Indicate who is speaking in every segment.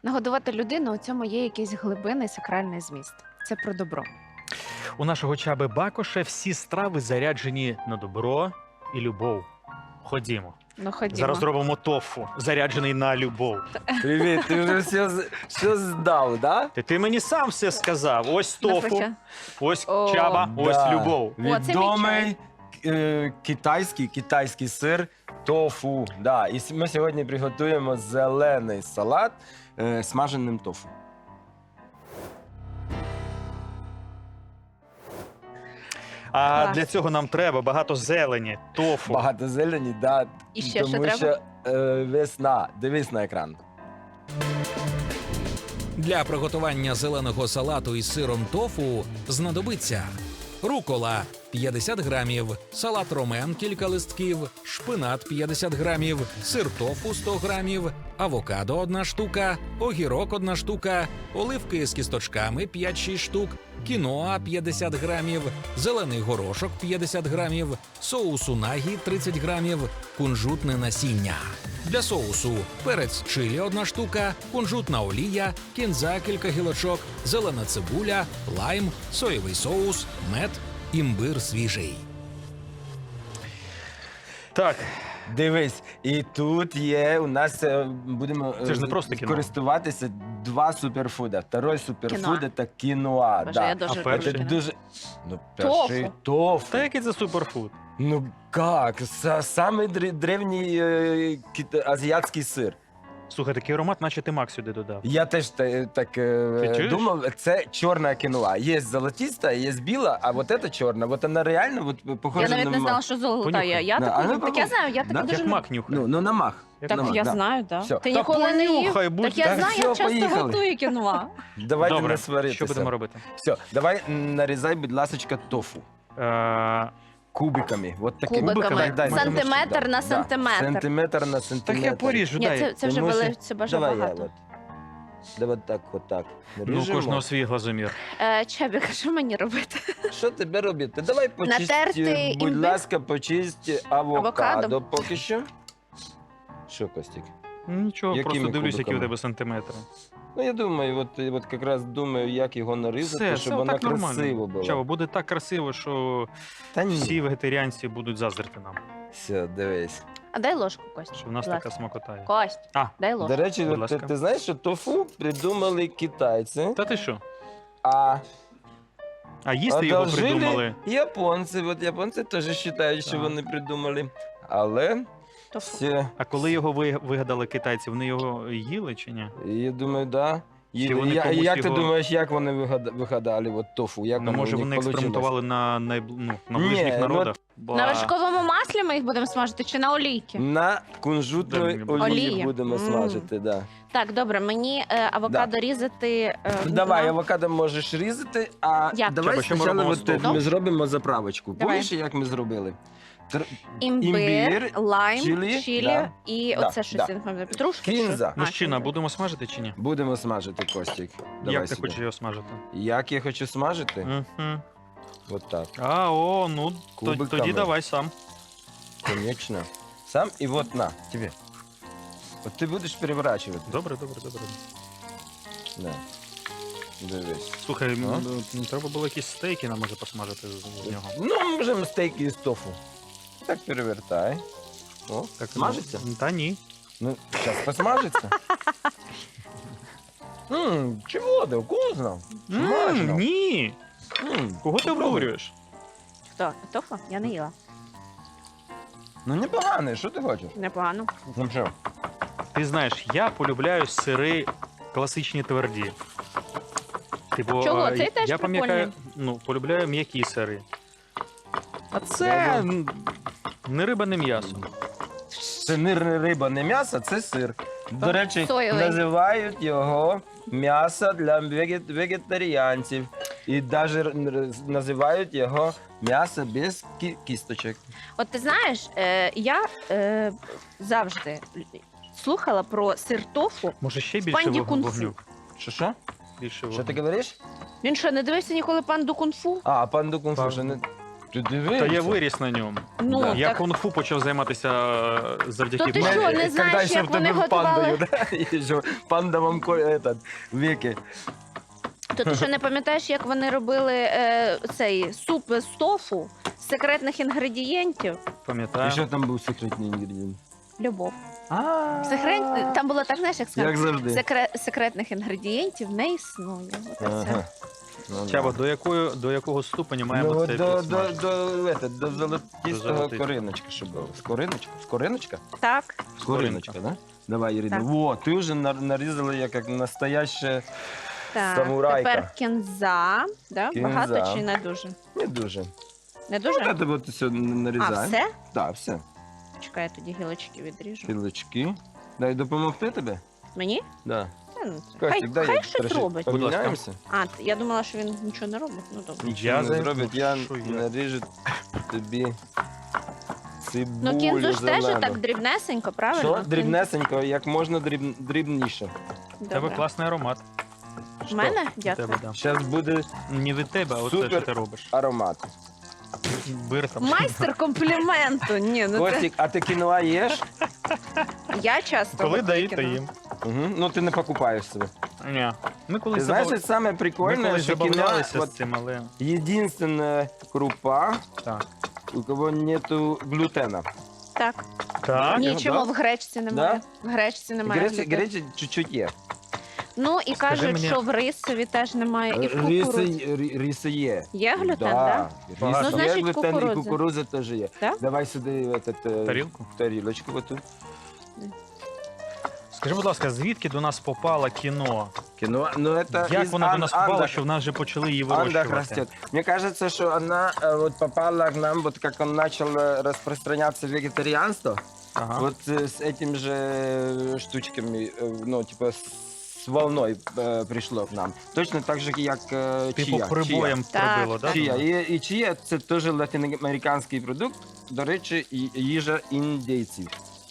Speaker 1: Нагодувати людину, у цьому є якийсь глибинний сакральний зміст. Це про добро.
Speaker 2: У нашого Чаби Бакоша всі страви заряджені на добро і любов. Ходімо.
Speaker 1: Ну, ходімо.
Speaker 2: Зараз зробимо тофу, заряджений на любов.
Speaker 3: Привіт, ти вже все здав, да?
Speaker 2: Ти мені сам все сказав. Ось тофу,
Speaker 1: Навпаки.
Speaker 2: ось
Speaker 1: О.
Speaker 2: Чаба, ось
Speaker 3: Да.
Speaker 2: любов.
Speaker 1: О, це мій
Speaker 3: Відомий китайський сир тофу. Да. І ми сьогодні приготуємо зелений салат смаженим тофу.
Speaker 2: А
Speaker 1: Клас.
Speaker 2: для цього нам треба багато зелені, тофу.
Speaker 3: Багато зелені, да,
Speaker 1: І ще що
Speaker 3: тому
Speaker 1: треба?
Speaker 3: що весна. Дивись на екран.
Speaker 4: Для приготування зеленого салату із сиром тофу знадобиться рукола 50 грамів, салат ромен кілька листків, шпинат 50 грамів, сир тофу 100 грамів, авокадо 1 штука, огірок 1 штука, оливки з кісточками 5-6 штук, кіноа 50 грамів, зелений горошок 50 грамів, соус унагі 30 грамів, кунжутне насіння. Для соусу перець чилі 1 штука, кунжутна олія, кінза кілька гілочок, зелена цибуля, лайм, соєвий соус, мед, імбир свіжий.
Speaker 2: Так,
Speaker 3: Дивись, і тут є у нас будемо
Speaker 2: Це ж не просто кіно.
Speaker 3: користуватися два суперфуда. Второй суперфуд
Speaker 1: Кіноа.
Speaker 3: це кіноа.
Speaker 1: Боже,
Speaker 3: Да.
Speaker 1: я дуже
Speaker 2: А
Speaker 1: люблю
Speaker 2: перший?
Speaker 3: Це
Speaker 1: кіно.
Speaker 3: дуже ну, перший
Speaker 1: Тофу.
Speaker 3: тофу.
Speaker 2: та який це суперфуд?
Speaker 3: Ну як? Самий древній азіатський сир.
Speaker 2: Слухай, такий аромат, наче ти мак сюди додав.
Speaker 3: Я теж так
Speaker 2: Ти чуєш?
Speaker 3: думав, це чорна кіноа. Є золотиста, є біла, а вот це чорна. Вот вона реально вот, похожа
Speaker 1: Я навіть
Speaker 3: на
Speaker 1: не знала,
Speaker 3: мак.
Speaker 1: що золота
Speaker 2: Понюхай.
Speaker 1: є. Я
Speaker 3: Да,
Speaker 1: таку
Speaker 3: а ну,
Speaker 1: люблю. Так я знаю, я так
Speaker 3: Да.
Speaker 1: дуже
Speaker 2: Як
Speaker 1: люблю.
Speaker 2: мак нюхає.
Speaker 3: Ну на мах.
Speaker 2: Як
Speaker 1: Так
Speaker 2: на мак.
Speaker 1: я
Speaker 3: да.
Speaker 1: знаю, так.
Speaker 3: Все.
Speaker 1: Ти
Speaker 2: Та
Speaker 1: ніколи не їв.
Speaker 2: понюхай, будь-
Speaker 1: Так я
Speaker 3: Так,
Speaker 1: знаю,
Speaker 3: все,
Speaker 1: я часто
Speaker 3: поїхали.
Speaker 1: готую кіноа.
Speaker 3: Давайте
Speaker 2: Добре,
Speaker 3: не сваритися.
Speaker 2: що будемо робити?
Speaker 3: Все, давай нарізай, будь ласка, тофу. Кубиками. Вот такими.
Speaker 1: Кубиками.
Speaker 3: Дай,
Speaker 1: Сантиметр на сантиметр.
Speaker 3: Сантиметр на
Speaker 2: Так
Speaker 3: сантиметр.
Speaker 2: я поріжу,
Speaker 1: Ні,
Speaker 2: дай.
Speaker 1: це вже
Speaker 3: Тому що-
Speaker 1: це бажа
Speaker 3: Давай
Speaker 1: багато.
Speaker 3: я от. Давай так, отак.
Speaker 2: Ну, у
Speaker 3: Ріжемо.
Speaker 2: кожного свій глазомір.
Speaker 1: Чебік, що мені робити?
Speaker 3: Що тебе робити? Давай почисти,
Speaker 1: Натерти
Speaker 3: будь
Speaker 1: імбир?
Speaker 3: ласка, почисти авокадо
Speaker 1: Авокадо?
Speaker 3: поки що. Що, Костік?
Speaker 2: Нічого,
Speaker 3: Якими
Speaker 2: просто дивлюсь, які у
Speaker 3: кубиками?
Speaker 2: тебе сантиметри.
Speaker 3: Ну, я думаю, от якраз думаю, як його нарізати,
Speaker 2: Все,
Speaker 3: щоб
Speaker 2: це
Speaker 3: воно
Speaker 2: отак
Speaker 3: красиво
Speaker 2: нормально.
Speaker 3: було.
Speaker 2: Чао, буде так красиво, що
Speaker 3: Та ні.
Speaker 2: всі вегетаріанці будуть заздрити нам,
Speaker 3: Все, дивись.
Speaker 1: А дай ложку, Кость.
Speaker 2: що в нас
Speaker 1: Будь ласка.
Speaker 2: така смакота є.
Speaker 1: Кость,
Speaker 2: А,
Speaker 1: дай
Speaker 3: До
Speaker 1: ложку.
Speaker 3: речі,
Speaker 2: Будь
Speaker 3: от ти,
Speaker 2: ласка.
Speaker 3: ти знаєш, що тофу придумали китайці,
Speaker 2: Та ти що?
Speaker 3: а
Speaker 2: А їсти його
Speaker 3: одолжили
Speaker 2: придумали.
Speaker 3: японці. От японці теж вважають, що
Speaker 2: Так.
Speaker 3: вони придумали. Але
Speaker 1: Тофу.
Speaker 3: все,
Speaker 2: А коли його вигадали китайці, вони його їли чи ні?
Speaker 3: я думаю, да.
Speaker 2: Чи вони комусь
Speaker 3: Як ти
Speaker 2: його-
Speaker 3: думаєш, як вони вигадали от тофу? Як
Speaker 2: Ну,
Speaker 3: воно
Speaker 2: може,
Speaker 3: у них
Speaker 2: вони
Speaker 3: получилось?
Speaker 2: експериментували на
Speaker 3: Ні,
Speaker 2: ближніх
Speaker 3: ну,
Speaker 2: народах? Ба.
Speaker 1: На вершковому маслі ми їх будемо смажити чи на олійки?
Speaker 3: На
Speaker 2: Да,
Speaker 3: кунжутної
Speaker 2: мені буде.
Speaker 3: олії
Speaker 1: Олії.
Speaker 3: будемо смажити, да.
Speaker 1: Так, добре, мені авокадо різати.
Speaker 3: Давай,
Speaker 1: на-
Speaker 3: авокадо можеш різати, а
Speaker 1: Як?
Speaker 3: давай
Speaker 2: Треба, що ми
Speaker 3: спочатку
Speaker 2: робимо
Speaker 3: от,
Speaker 2: з тофу?
Speaker 3: ми зробимо заправочку.
Speaker 1: Давай.
Speaker 3: Помніш, як ми зробили?
Speaker 1: Імбир, лайм,
Speaker 3: чилі,
Speaker 1: чилі
Speaker 3: да.
Speaker 1: і
Speaker 3: Да,
Speaker 1: оце щось,
Speaker 3: да.
Speaker 1: я не пам'ятаю, петрушка?
Speaker 3: Кінза.
Speaker 2: Мужчина, будемо смажити чи ні?
Speaker 3: Будемо смажити, Костік. Давай
Speaker 2: Як ти
Speaker 3: сюди.
Speaker 2: хочеш його смажити?
Speaker 3: Як я хочу смажити?
Speaker 2: Мгм.
Speaker 3: От так,
Speaker 2: Ну,
Speaker 3: Кубиками.
Speaker 2: тоді давай сам.
Speaker 3: конечно. Сам і от на, тебе. От ти будеш переворачувати.
Speaker 2: Добре.
Speaker 3: Да. Дивись.
Speaker 2: Слухай,
Speaker 3: А?
Speaker 2: треба було якісь стейки нам може посмажити з нього.
Speaker 3: Ну, можемо стейки із тофу. Так перевертай. О,
Speaker 2: Так,
Speaker 3: смажиться?
Speaker 2: ну, Та ні.
Speaker 3: Ну, зараз посмажиться. Чого ти, вкусно? Смачно.
Speaker 2: Ні. Кого ти
Speaker 3: попробуй.
Speaker 2: обурюєш?
Speaker 1: Хто? Тофу? Я не їла.
Speaker 3: Ну, непогано, що ти хочеш?
Speaker 1: Непогано.
Speaker 3: Ну, що?
Speaker 2: Ти знаєш, я полюбляю сири класичні тверді. Типу,
Speaker 1: Чого? Цей теж
Speaker 2: я пам'ятаю,
Speaker 1: прикольний.
Speaker 2: полюбляю м'які сири. А це не риба, не м'ясо.
Speaker 3: Це не риба, не м'ясо, це сир. До речі,
Speaker 1: Соєвий.
Speaker 3: називають його м'ясо для вегетаріанців. І навіть називають його м'ясо без кісточок.
Speaker 1: От ти знаєш, я завжди слухала про сир тофу.
Speaker 2: Може ще більше
Speaker 1: Панді кунг-фу.
Speaker 2: вогню?
Speaker 3: Що?
Speaker 2: Більше
Speaker 3: Що
Speaker 2: вогню.
Speaker 3: ти говориш?
Speaker 1: Він що, не дивився ніколи панду кунг-фу?
Speaker 3: А, панду кунг-фу.
Speaker 2: Пан-
Speaker 3: що не... Ти
Speaker 2: Та
Speaker 3: дивися.
Speaker 2: я виріс на ньому.
Speaker 1: Ну,
Speaker 3: Да.
Speaker 2: Я
Speaker 1: так,
Speaker 2: кунг-фу почав займатися завдяки
Speaker 1: То ти
Speaker 2: мамі.
Speaker 1: що, не знаєш,
Speaker 3: Когда ще
Speaker 1: як
Speaker 3: в тебе
Speaker 1: вони
Speaker 3: пандою,
Speaker 1: готували?
Speaker 3: да? І що, панда вам этот, веки.
Speaker 1: То ти що не пам'ятаєш, як вони робили цей суп з тофу з секретних інгредієнтів?
Speaker 3: І
Speaker 2: Пам'ятаю.
Speaker 3: що там був секретний інгредієнт?
Speaker 1: Любов.
Speaker 3: А,
Speaker 1: Там було так, знаєш, як
Speaker 3: як
Speaker 1: сказати,
Speaker 3: завжди.
Speaker 1: секретних інгредієнтів не існує. Оце все.
Speaker 3: Ага. Ну, да.
Speaker 2: Чаба, до якого ступеня
Speaker 3: Ну,
Speaker 2: маємо
Speaker 3: от
Speaker 2: цей
Speaker 3: до
Speaker 2: підсмаж?
Speaker 3: до золотистого
Speaker 2: золотистого.
Speaker 3: кориночка, щоб було. Скориночка?
Speaker 1: Так.
Speaker 3: Скориночка, да? Давай, Ірина.
Speaker 1: Так.
Speaker 3: Во, ти вже нарізала як настояща
Speaker 1: Так.
Speaker 3: самурайка.
Speaker 1: Тепер кінза. Да?
Speaker 3: Кінза.
Speaker 1: Багато чи не дуже?
Speaker 3: Не дуже.
Speaker 1: Не дуже?
Speaker 3: Ну, це от все
Speaker 1: А,
Speaker 3: нарізаємо.
Speaker 1: все?
Speaker 3: Так, все.
Speaker 1: Чекай, я тоді гілочки відріжу.
Speaker 3: Кілочки. Дай допомогти тобі?
Speaker 1: Мені?
Speaker 3: Да.
Speaker 1: Та, ну,
Speaker 3: Костік,
Speaker 1: Хай,
Speaker 3: дай
Speaker 1: хай
Speaker 3: я
Speaker 1: щось
Speaker 3: трошки
Speaker 1: робить.
Speaker 2: Будь ласка.
Speaker 3: поміняємося.
Speaker 1: Я думала, що він нічого не робить. Ну добре.
Speaker 3: Нічого не
Speaker 2: зайду.
Speaker 3: зробить, я
Speaker 2: Що я?
Speaker 3: наріжу тобі цибулю
Speaker 1: Ну кінзу ж теж
Speaker 3: зелену.
Speaker 1: так дрібнесенько, правильно?
Speaker 3: Що? Дрібнесенько, як можна дрібніше.
Speaker 2: У тебе
Speaker 1: Добре.
Speaker 2: класний аромат.
Speaker 1: В мене?
Speaker 2: У
Speaker 1: Дякую.
Speaker 2: тебе, да.
Speaker 3: Зараз буде
Speaker 2: Не від тебе, а оце,
Speaker 3: Супер.
Speaker 2: що ти робиш.
Speaker 3: аромат.
Speaker 2: Бир там.
Speaker 1: Майстер компліменту. Ні, ну це...
Speaker 3: Костік, а ти кіноа їш?
Speaker 1: Я часто
Speaker 2: Коли
Speaker 1: готую
Speaker 2: даєте
Speaker 1: кіно.
Speaker 2: їм.
Speaker 3: Угу. Ну ти не покупаєш себе.
Speaker 2: Ні. Ми
Speaker 3: Ти
Speaker 2: колись
Speaker 3: знаєш,
Speaker 2: забав-
Speaker 3: що саме
Speaker 2: ми
Speaker 3: прикольне,
Speaker 2: колись
Speaker 3: що кіноа
Speaker 2: забавлялися
Speaker 3: от
Speaker 2: з цим, але
Speaker 3: єдинственна крупа,
Speaker 2: так.
Speaker 3: у кого нету глютена.
Speaker 1: Так.
Speaker 2: Так?
Speaker 1: Ні,
Speaker 3: його,
Speaker 1: чому
Speaker 3: да?
Speaker 1: в гречці немає? В гречці немає. глютену.
Speaker 3: Гречі чуть-чуть є.
Speaker 1: Ну і кажуть,
Speaker 2: мені-
Speaker 1: що в рисові теж немає, і в кукурудзі.
Speaker 3: Риси є.
Speaker 1: Є глютен,
Speaker 3: Да.
Speaker 1: так?
Speaker 3: Рис
Speaker 2: Ну,
Speaker 3: є
Speaker 1: значить,
Speaker 3: глютен, і
Speaker 1: кукурудза.
Speaker 3: кукурудза теж є.
Speaker 1: Так?
Speaker 3: Давай сюди
Speaker 2: Тарілку?
Speaker 3: тарілочку оту.
Speaker 2: Скажи, будь ласка, звідки до нас попало кіно?
Speaker 3: Кіно, ну это
Speaker 2: Як
Speaker 3: из
Speaker 2: вона до нас попала,
Speaker 3: Андах.
Speaker 2: що в нас вже почали її
Speaker 3: Андах
Speaker 2: вирощувати?
Speaker 3: растет. Мне кажется, что она вот попала к нам, вот как он начал распространяться вегетарианство,
Speaker 2: Ага.
Speaker 3: вот с этим же штучками, ну, типа с волной пришло к нам. Точно так же, як
Speaker 2: Типу
Speaker 3: чия.
Speaker 2: прибоєм
Speaker 1: Так,
Speaker 2: прибило, так?
Speaker 3: Чия. І чия – це теж латиноамериканський продукт, до речі, їжа індійців.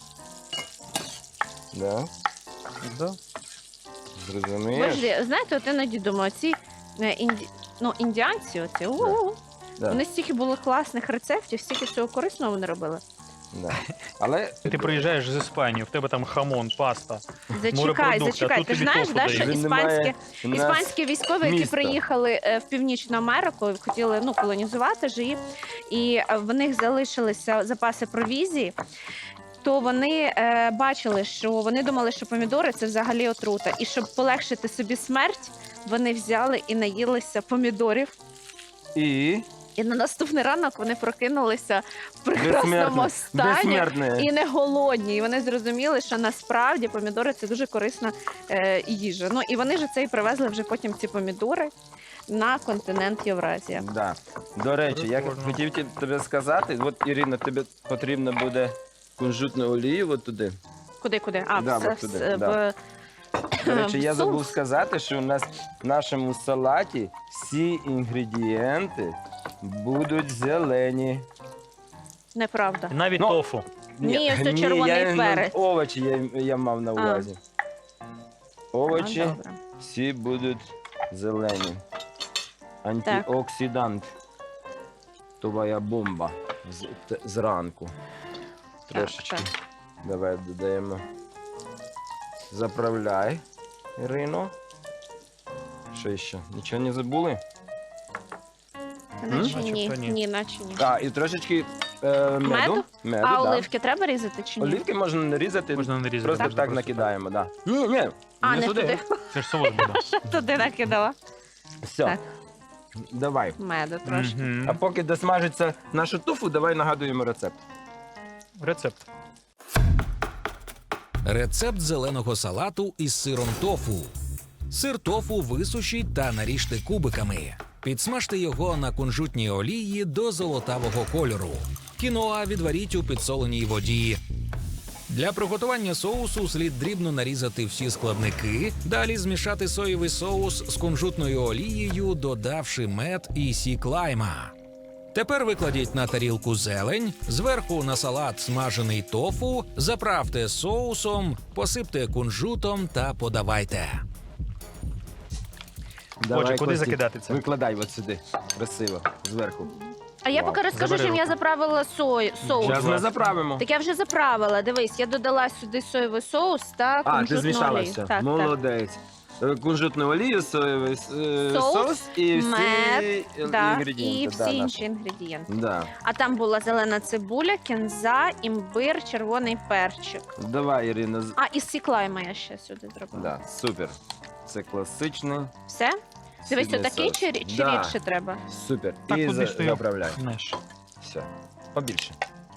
Speaker 3: Да,
Speaker 2: Да.
Speaker 3: зрозумієш?
Speaker 1: Боже, знаєте, от іноді думаю, ці індіанці, оці,
Speaker 3: Да.
Speaker 1: вони стільки було класних рецептів, стільки всього корисного вони робили.
Speaker 3: Да. Але
Speaker 2: Ти приїжджаєш з Іспанії, в тебе там хамон, паста.
Speaker 1: Зачекай,
Speaker 2: Морепродукти, а
Speaker 1: зачекай.
Speaker 2: тут
Speaker 1: Ти ж
Speaker 2: тобі
Speaker 1: знаєш,
Speaker 2: тофу
Speaker 1: да, що
Speaker 2: дають.
Speaker 3: Він немає у нас
Speaker 1: іспанські військові, які
Speaker 3: міста.
Speaker 1: приїхали в Північну Америку, хотіли колонізувати ж її, і в них залишилися запаси провізії. То вони бачили, що вони думали, що помідори це взагалі отрута. І щоб полегшити собі смерть, вони взяли і наїлися помідорів.
Speaker 3: і
Speaker 1: І на наступний ранок вони прокинулися в прекрасному стані
Speaker 3: безсмертне.
Speaker 1: і не голодні. І вони зрозуміли, що насправді помідори це дуже корисна їжа. Ну і вони ж це і привезли вже потім ці помідори на континент Євразія.
Speaker 3: Да. До речі, я
Speaker 2: Прикольно.
Speaker 3: хотів тобі сказати, от, Ірина, тобі потрібно буде кунжутну олію от туди.
Speaker 1: Куди? А,
Speaker 3: Да,
Speaker 1: в,
Speaker 3: от туди,
Speaker 1: в-
Speaker 3: да. До речі, я
Speaker 1: в
Speaker 3: забув
Speaker 1: суп.
Speaker 3: сказати, що у нас в нашому салаті всі інгредієнти будуть зелені.
Speaker 1: Неправда.
Speaker 2: Навіть
Speaker 3: Ну,
Speaker 2: тофу.
Speaker 1: Ні, ось це червоний
Speaker 3: я,
Speaker 1: перець.
Speaker 3: овочі я мав на увазі. Овочі
Speaker 1: А, добре.
Speaker 3: всі будуть зелені. Антиоксидант. Твоя бомба зранку. Трошечки.
Speaker 1: Так.
Speaker 3: Давай додаємо. Заправляй, Ірино. Що ще? Нічого не забули?
Speaker 1: Наче
Speaker 2: Начебто
Speaker 1: ні.
Speaker 2: ні.
Speaker 1: Ні, наче ні.
Speaker 3: А, і трошечки меду.
Speaker 1: Меду?
Speaker 3: да.
Speaker 1: А оливки треба різати чи ні?
Speaker 3: Оливки можна нарізати,
Speaker 2: Можна нарізати.
Speaker 3: просто
Speaker 2: можна
Speaker 3: так
Speaker 2: просто
Speaker 3: накидаємо, так. Да. Ні,
Speaker 1: А, не туди.
Speaker 2: Це ж соус буде.
Speaker 1: Туди накидала.
Speaker 3: Все.
Speaker 1: Так.
Speaker 3: Давай.
Speaker 1: Меду трошки.
Speaker 2: Мгм.
Speaker 3: А поки досмажиться нашу туфу, давай нагадуємо рецепт.
Speaker 2: Рецепт.
Speaker 4: Рецепт зеленого салату із сиром тофу. Сир тофу висушіть та наріжте кубиками. Підсмажте його на кунжутній олії до золотавого кольору. Кіноа відваріть у підсоленій воді. Для приготування соусу слід дрібно нарізати всі складники, далі змішати соєвий соус з кунжутною олією, додавши мед і сік лайма. Тепер викладіть на тарілку зелень, зверху на салат смажений тофу, заправте соусом, посипте кунжутом та подавайте.
Speaker 3: Давай,
Speaker 2: куди
Speaker 3: Костік,
Speaker 2: закидати це?
Speaker 3: Викладай от сюди. Красиво. Зверху.
Speaker 1: А я
Speaker 3: Вау.
Speaker 1: поки розкажу,
Speaker 2: Забери
Speaker 1: чим я
Speaker 2: руку.
Speaker 1: заправила соус.
Speaker 3: Зараз ми заправимо.
Speaker 1: Так я вже заправила. Дивись, я додала сюди соєвий соус та
Speaker 3: А, ти
Speaker 1: кунжутну
Speaker 3: змішала
Speaker 1: олію.
Speaker 3: все.
Speaker 1: Так,
Speaker 3: Молодець. Кунжутну олію, соєвий соус і всі
Speaker 1: мед, да,
Speaker 3: інгредієнти.
Speaker 1: і
Speaker 3: да,
Speaker 1: всі
Speaker 3: наші.
Speaker 1: інші інгредієнти.
Speaker 3: Да.
Speaker 1: А там була зелена цибуля, кінза, імбир, червоний перчик.
Speaker 3: Давай, Ірина.
Speaker 1: А, і сіклайма я ще сюди зробила.
Speaker 3: Да, супер. Це класичний.
Speaker 1: Все? Дивись,
Speaker 3: східний
Speaker 1: отакий
Speaker 3: соус.
Speaker 1: чи
Speaker 3: Да,
Speaker 1: рідше треба?
Speaker 3: Супер.
Speaker 2: Так,
Speaker 3: І
Speaker 2: куди ж ти його?
Speaker 3: заправляй.
Speaker 2: Знаєш.
Speaker 3: Все. Побільше.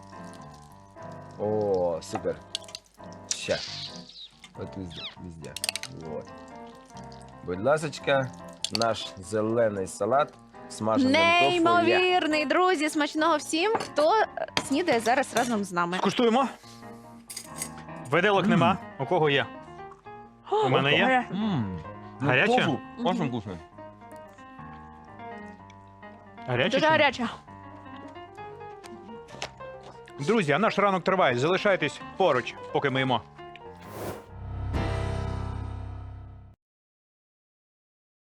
Speaker 3: О, супер. Ще. От везде, везде. Вот. Будь ласочка, наш зелений салат смаженим тофу. є.
Speaker 1: Неймовірний, друзі! Смачного всім, хто снідає зараз разом з нами.
Speaker 2: Скуштуємо. Виделок нема. У кого є? У мене є. Гаряче?
Speaker 3: Тофу. Очень
Speaker 1: Мгм.
Speaker 3: вкусно.
Speaker 2: Гаряче?
Speaker 1: Дуже
Speaker 2: чи ні?
Speaker 1: гаряча.
Speaker 2: Друзі, а наш ранок триває. Залишайтесь поруч, поки ми їмо.